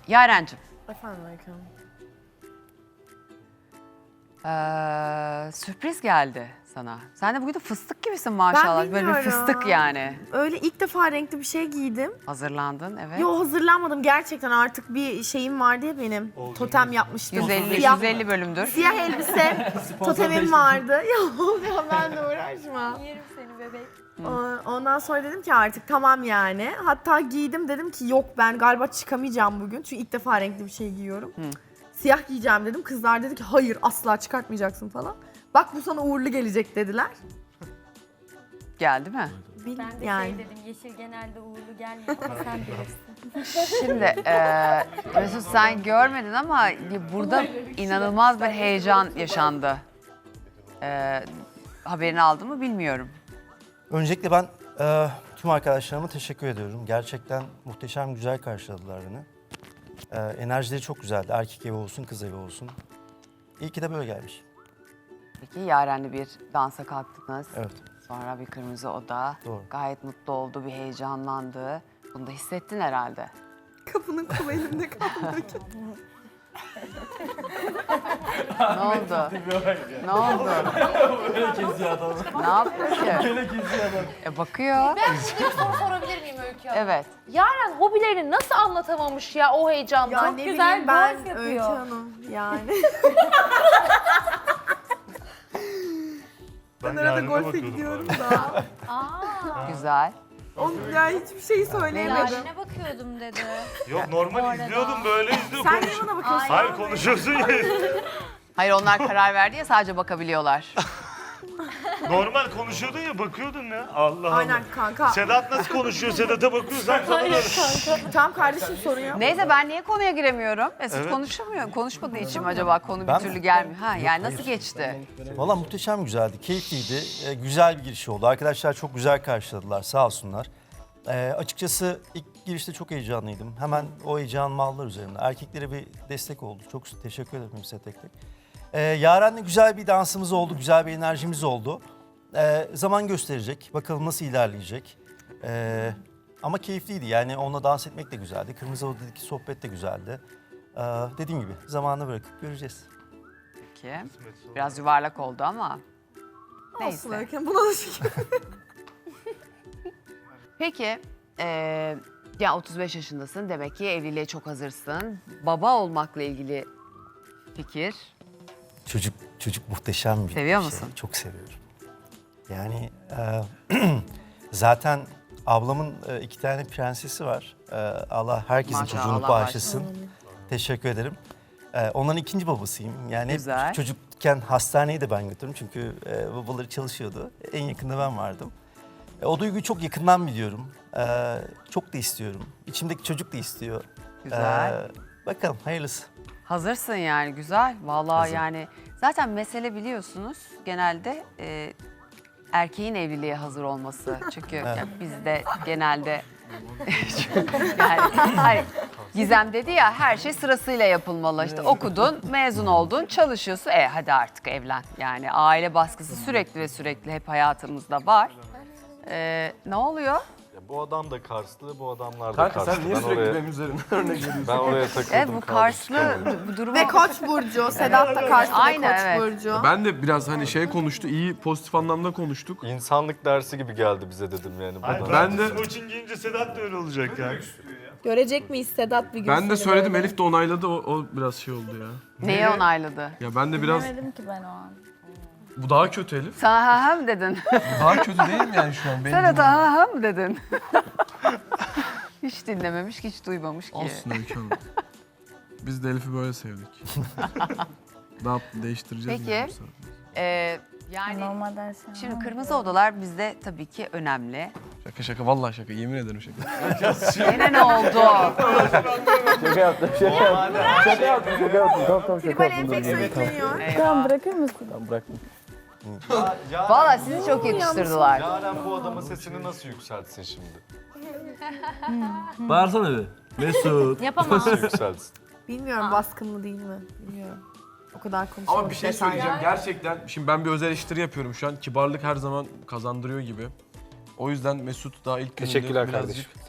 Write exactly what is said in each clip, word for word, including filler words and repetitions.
Yarencim. Efendim Aykın. Ee, sürpriz geldi sana. Sen de bugün de fıstık gibisin maşallah. Ben Böyle bir bilmiyorum. fıstık yani. Öyle ilk defa renkli bir şey giydim. Hazırlandın evet. Yo hazırlanmadım gerçekten artık bir şeyim vardı ya benim. Totem yapmıştım. yüz elli, Siyah, yüz elli bölümdür. siyah elbise, totemim vardı. Ya, ya ben de uğraşma. Yerim seni bebek. O- Ondan sonra dedim ki artık tamam yani. Hatta giydim dedim ki yok ben galiba çıkamayacağım bugün. Çünkü ilk defa renkli bir şey giyiyorum. Hı. Siyah giyeceğim dedim. Kızlar dedi ki hayır asla çıkartmayacaksın falan. Bak bu sana uğurlu gelecek dediler. Geldi mi? Bil, Ben de yani. şey dedim, yeşil genelde uğurlu gelmiyor ama sen bilirsin. Şimdi e, Mesut sen görmedin ama burada inanılmaz bir heyecan yaşandı. E, haberini aldın mı bilmiyorum. Öncelikle ben e, tüm arkadaşlarıma teşekkür ediyorum. Gerçekten muhteşem güzel karşıladılar beni. E, enerjileri çok güzeldi. Erkek evi olsun, kız evi olsun. İyi ki de böyle gelmiş. Peki Yaren'le bir dansa kalktınız. Evet. Sonra bir kırmızı oda. Doğru. Gayet mutlu oldu, bir heyecanlandı. Bunu da hissettin herhalde. Kapının kolu elimde kaldı. Ne oldu? Ne oldu? Ne yapıyor ki? E bakıyor. Ben size bir soru sorabilir miyim Öykü Hanım? Evet. Yaren hobilerini nasıl anlatamamış ya o heyecandan? Ya Çok ne güzel bileyim ben golf yapıyor. Öykü Hanım yani. Ben Ben arada Yaren'e golfe bakıyordum gidiyorum bu arada. da. Aa, Güzel. Onun ya hiçbir şey söyleyemedim. Yaren'e bakıyordum dedi. Yok normal arada. izliyordum böyle izliyor Sen konuş. niye bana bakıyorsun? Hayır konuşuyorsun ya. Hayır onlar karar verdi ya sadece bakabiliyorlar. Normal konuşuyordun ya bakıyordun ya. Allah Allah. Aynen kanka. Sedat nasıl konuşuyor? Sedat'a bakıyorsan sana da. Tam kardeşim soruyor. Neyse ben niye konuya giremiyorum? Mesut Evet. konuşamıyor. Konuşmadığı için mi acaba konu Ben bir mi? türlü gelmiyor? Ha yani Yok, nasıl hayır. geçti? Valla muhteşem güzeldi, keyifliydi. E, güzel bir giriş oldu. Arkadaşlar çok güzel karşıladılar, sağ olsunlar. E, açıkçası ilk girişte çok heyecanlıydım. Hemen o heyecanımı aldılar üzerimde. Erkeklere bir destek oldu. Çok teşekkür ederim size tek tek. E, Yaren'le güzel bir dansımız oldu, güzel bir enerjimiz oldu. E, zaman gösterecek, bakalım nasıl ilerleyecek. E, ama keyifliydi, yani onunla dans etmek de güzeldi. Kırmızı Oda'daki sohbet de güzeldi. E, dediğim gibi zamanla bırakıp göreceğiz. Peki. Biraz yuvarlak oldu ama. Olsun Neyse. Öykü Hanım, buna da şükür. Peki. eee ya otuz beş yaşındasın. Demek ki evliliğe çok hazırsın. Baba olmakla ilgili fikir. Çocuk çocuk muhteşem bir Seviyor şey. musun? Çok seviyorum. Yani e, zaten ablamın e, iki tane prensesi var. E, Allah herkesin Maşallah, çocuğunu Allah bağışlasın. Teşekkür ederim. E, onların ikinci babasıyım. Yani hep Güzel. çocukken hastaneye de ben götürdüm. Çünkü e, babaları çalışıyordu. En yakında ben vardım. E, o duyguyu çok yakından biliyorum. E, çok da istiyorum. İçimdeki çocuk da istiyor. Güzel. E, bakalım hayırlısı. Hazırsın yani güzel. Vallahi Hazırım. yani zaten mesele biliyorsunuz genelde e, erkeğin evliliğe hazır olması. Çünkü ya bizde genelde yani hayır, Gizem dedi ya her şey sırasıyla yapılmalı. İşte okudun, mezun oldun, çalışıyorsun. E hadi artık evlen. Yani aile baskısı sürekli ve sürekli hep hayatımızda var. E, ne oluyor? Ya bu adam da Karslı, bu adamlar da Kanka Karslı. sen niye ben sürekli oraya, benim üzerimden örnek veriyorsun? ben oraya takıldım. Evet bu kaldım, Karslı çıkamadım. bu durumu. Ve Koç burcu. Sedat da karşısında Aynen, Koç evet. burcu. Ben de biraz hani şey konuştu, iyi pozitif anlamda konuştuk. İnsanlık dersi gibi geldi bize dedim yani. Hayır, bana. Ben de- Smoking giyince Sedat da öyle olacak yani. Görecek miyiz Sedat bir gün Ben de seni söyledim, böyle? Elif de onayladı, o, o biraz şey oldu ya. Neyi onayladı? Ya ben de biraz, Demedim ki ben o an. bu daha kötü Elif. Sana ha ha mı dedin? Bu daha kötü değil mi yani şu an? Benim Sen de ha ha mı dedin? Hiç dinlememiş, hiç duymamış ki. Olsun Öykü Hanım. Biz de Elif'i böyle sevdik. Daha değiştireceğiz. Peki. yani bu sefer. Ee, yani Normalde her şey şimdi kırmızı odalar bizde tabii ki önemli. Şaka şaka, vallahi şaka, yemin ederim şaka. Yine ne oldu? Şaka yaptım, şaka yaptım. Şaka yaptım, şaka yaptım. Tamam tamam şaka Tribal enfeksiyon yükleniyor. Tamam bırakır mısın? Tamam bıraktım. Valla sizi çok yakıştırdılar. Yaren bu adamın sesini nasıl yükseltsin şimdi? Bağırsana bir. Mesut. Yapamam. Nasıl yükseltsin? Bilmiyorum baskın mı değil mi? Bilmiyorum. O kadar konuşuyoruz. Ama bir şey detaylı. söyleyeceğim, gerçekten şimdi ben bir öz eleştiri yapıyorum şu an. Kibarlık her zaman kazandırıyor gibi. O yüzden Mesut daha ilk gününde Teşekkürler birazcık... kardeşim. Sağ ol.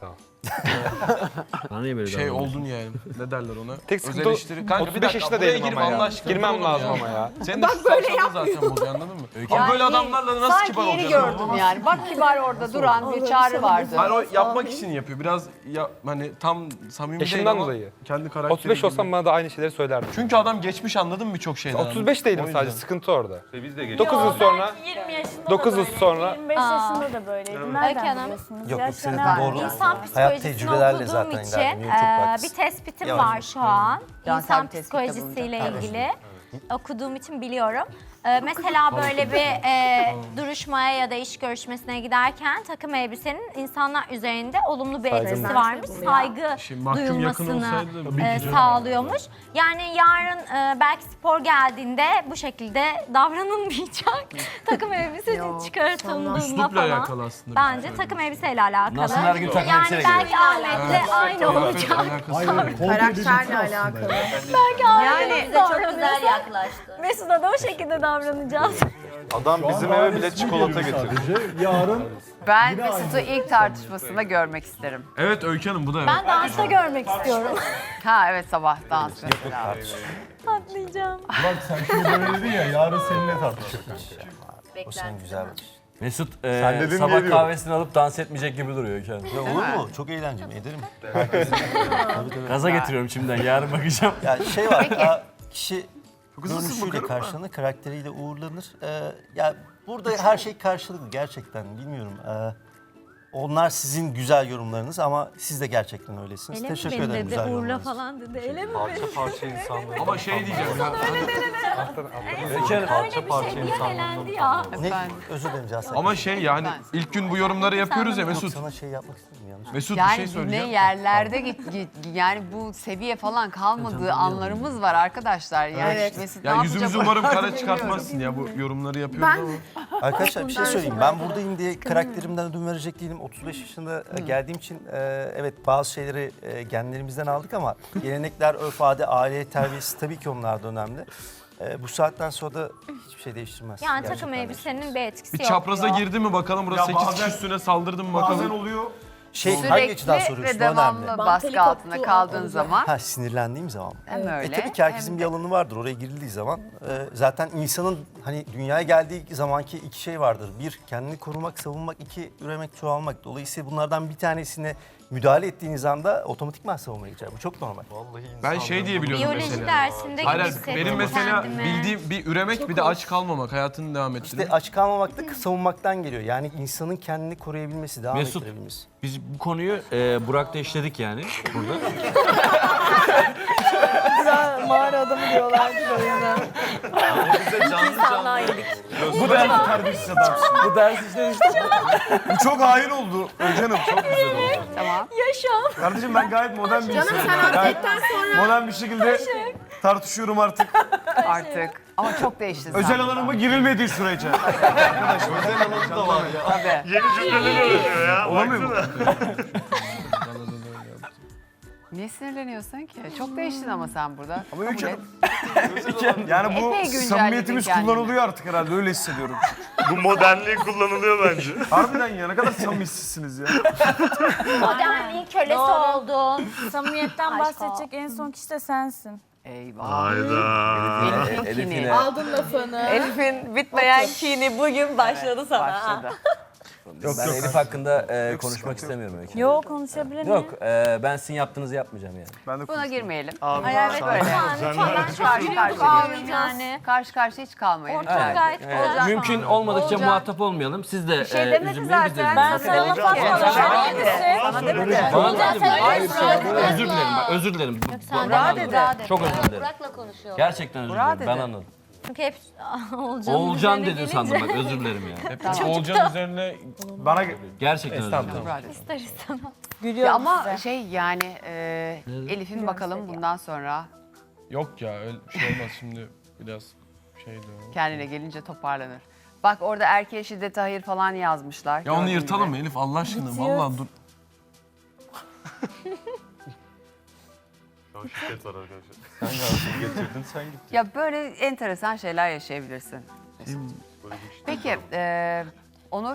Bana niye böyle Şey davranıyorsun? oldun yani. Ne derler ona? Tek Öz sıkıntı eleştiri. Kanka otuz bir beş dakika yaşında buraya değilim girme ama ya. Allah aşkına. Girmem Dur oğlum lazım ya. ama ya. Senin de şu saçmalığın zaten bozuyor anladın mı? Ya böyle adamlarla nasıl Sanki kibar yeni olacaksın? gördüm yani. Bak kibar orada duran bir çağrı vardı. Hayır o yapmak için yapıyor. Biraz ya, hani tam samimi değil Yaşımdan ama dolayı. kendi karakteri otuz beş gibi. olsam bana da aynı şeyleri söylerdim. Çünkü adam geçmiş anladın mı birçok şeyden. otuz beş değilim O yüzden. sadece, sıkıntı orada. Biz de dokuz yıl sonra, yirmi yaşında dokuz da yıl böyle, sonra yirmi beş yaşında da böyleydim. Öykü Nereden Hanım. biliyorsunuz? Yok, Yaş yok, senin önemli doğru. değil. İnsan Hayat psikolojisini tecrübelerle okuduğum zaten için ilerliyor, çok eee, haklısın. bir tespitim Yavaş. var şu an. Cansel İnsan bir tespit psikolojisiyle bulunacak. ilgili okuduğum için biliyorum. Eee, mesela böyle bir eee, duruşmaya ya da iş görüşmesine giderken takım elbisenin insanlar üzerinde olumlu bir Saygı etkisi mı? varmış. Saygı Şimdi mahkum yakın duyulmasını olsaydı bir eee, güzel. sağlıyormuş. Yani yarın eee, belki spor geldiğinde bu şekilde davranılmayacak. takım elbise çıkartıldığında Üslupla falan. alakalı aslında. Bence takım elbiseyle alakalı. Nasıl her gün takım yani elbiseyle belki Ahmet'le aynı olacak. Karakterle alakalı. Yani Bize çok güzel yaklaştı. Mesut'a da o şekilde davranacağız. Adam bizim eve bile çikolata getirdi. Yarın Ben Mesut'u ilk tartışmasında görmek isterim. Evet Öykü Hanım bu da evet. Ben dansta görmek istiyorum. Ha evet, sabah dans mesela. Patlayacağım. bak sen şimdi böyle dedin ya yarın seninle tartışacağız. O senin güzel bakış. Mesut Sen e, dedin sabah diye diyorum. kahvesini alıp dans etmeyecek gibi duruyor kendisi. Ya olur mu? Çok eğlenceli. Ederim. Gaza getiriyorum şimdiden yarın bakacağım. Ya şey var, ya kişi görünüşüyle karşılanır, karakteriyle uğurlanır. Ee, ya burada her şey karşılıklı gerçekten, bilmiyorum. Ee, onlar sizin güzel yorumlarınız ama siz de gerçekten öylesiniz. Öyle mi Teşekkür beni ederim dedi, güzel uğurla yorumlarınız. falan dedi. Öyle mi? Parça parça insanlar. Ama şey diyeceğim ya. Öykü Hanım, Parça Bir parça şey diye insanlar. elendi ya. Ne? Özür dilerim Cansel. Ama şey yani ilk gün bu yorumları yapıyoruz ya Yok, Mesut. sana şey yapmak istedim yanlış. Mesut bir Yani şey ne söyleyeceğim. yerlerde git, git yani bu seviye falan kalmadığı anlarımız var arkadaşlar. Yani Evet. Mesut ne Ya yapacak yüzümüzü umarım oralarda kara bilmiyorum. çıkartmazsın ya bu yorumları yapıyoruz ama. Arkadaşlar bir şey söyleyeyim. Ben buradayım diye karakterimden ödün verecek değilim. otuz beş yaşında e, geldiğim için e, evet bazı şeyleri e, genlerimizden aldık ama gelenekler, örf, adet, aile terbiyesi tabii ki onlar da önemli. E, bu saatten sonra da hiçbir şey değiştirmez. Yani Gerçekten takım elbisenin bir etkisi Bir yok çapraza diyor. girdi mi bakalım burası sekiz kişi üstüne saldırdı mı bakalım. oluyor. Şey, hangi açıdan Sürekli soruyorsun? ve O önemli. devamlı baskı altında kaldığın zaman Ha, sinirlendiğim zaman. hem öyle. E tabii ki herkesin hem bir de- alanı vardır. Oraya girildiği zaman e, zaten insanın hani dünyaya geldiği zamanki iki şey vardır. Bir, kendini korumak, savunmak. iki üremek, çoğalmak. Dolayısıyla bunlardan bir tanesine müdahale ettiğiniz anda otomatikman savunmaya geçer. Bu çok normal. Vallahi Ben şey diye biliyorum Biyoloji mesela. dersinde Hayır, gibi hayır, hissettim benim mesela kendimi. bildiğim bir üremek bir de aç kalmamak, hayatını devam ettirmek. İşte aç kalmamak da savunmaktan geliyor. Yani insanın kendini koruyabilmesi, devam Mesut. ettirebilmesi. Biz bu konuyu e, Burak'ta işledik yani burada. Mağara adamı diyorlar o yüzden. bu ders terbiyesiz adamsın. Bu ders işlemiştik. Bu çok hain oldu. Canım çok güzel oldu. Tamam. Kardeşim ben gayet modern bir Canım insanım. sen Gayet atletten sonra modern bir şekilde tartışıyorum artık. Artık. Ama çok değişti Özel zaten. alanıma girilmediği sürece. Özel alanı da var ya. Tabii. Yeni cümleler öğreniyor ya. Olamıyor mu? Niye sinirleniyorsun ki? Çok değiştin ama sen burada. Ama Kabul Öykü et. Yani bu Epey güncelledin samimiyetimiz kendini. kullanılıyor artık herhalde öyle hissediyorum. Bu modernliği kullanılıyor bence. Harbiden ya ne kadar samimisizsiniz ya. Modernliğin kölesi oldun. Samimiyetten Aşk bahsedecek en son kişi de sensin. Eyvah. Hayda. Elif'in Elif'ine- kini. aldın lafını. Elif'in bitmeyen kini bugün başladı sana. Başladı. Ben Elif hakkında e, konuşmak istemiyorum Öykü. Yo konuşabilir miyim? Yok e, ben sizin yaptığınızı yapmayacağım yani. Ben de Buna girmeyelim. Abi, Hayal ve böyle. Lütfen, lütfen. Ben Karşı gülüyorduk karşıya abi yani. Karşı karşıya hiç kalmayın. Ortam lütfen. gayet Evet, güzel şu an. mümkün olmadıkça Olacak. muhatap olmayalım. Siz de Bir şey e, demedi üzülmeyin biz de zaten. üzülmeyin. Ben sana laf atmadım. Sana Sen demedi. neyse. Sana demedi. Bana Sen dedim. Hayır, söyle, şey, Burak'la. özür dilerim bak özür dilerim. Sen Ben de anladım. Çok özür dilerim. Burak'la konuşuyor. Gerçekten özür Burak dilerim. Ben dedi. anladım. Çünkü hep Olcan. Oğulcan dedin sandım bak özür dilerim ya. Hep Oğulcan üzerine bana Gerçekten özür dilerim. Burak dedi. İster istemez. Ya Gülüyorum ama size. şey yani e, Elif'in bakalım bundan sonra yok ya öyle bir şey olmaz şimdi biraz şeydi o. kendine gelince toparlanır. Bak orada erkeğe şiddete hayır falan yazmışlar. Ya onu gördüğün yırtalım gibi. mı Elif Allah aşkına vallahi dur. şiddet var arkadaşlar. Sen gelsin getirdin sen git. Ya böyle enteresan şeyler yaşayabilirsin. Peki e,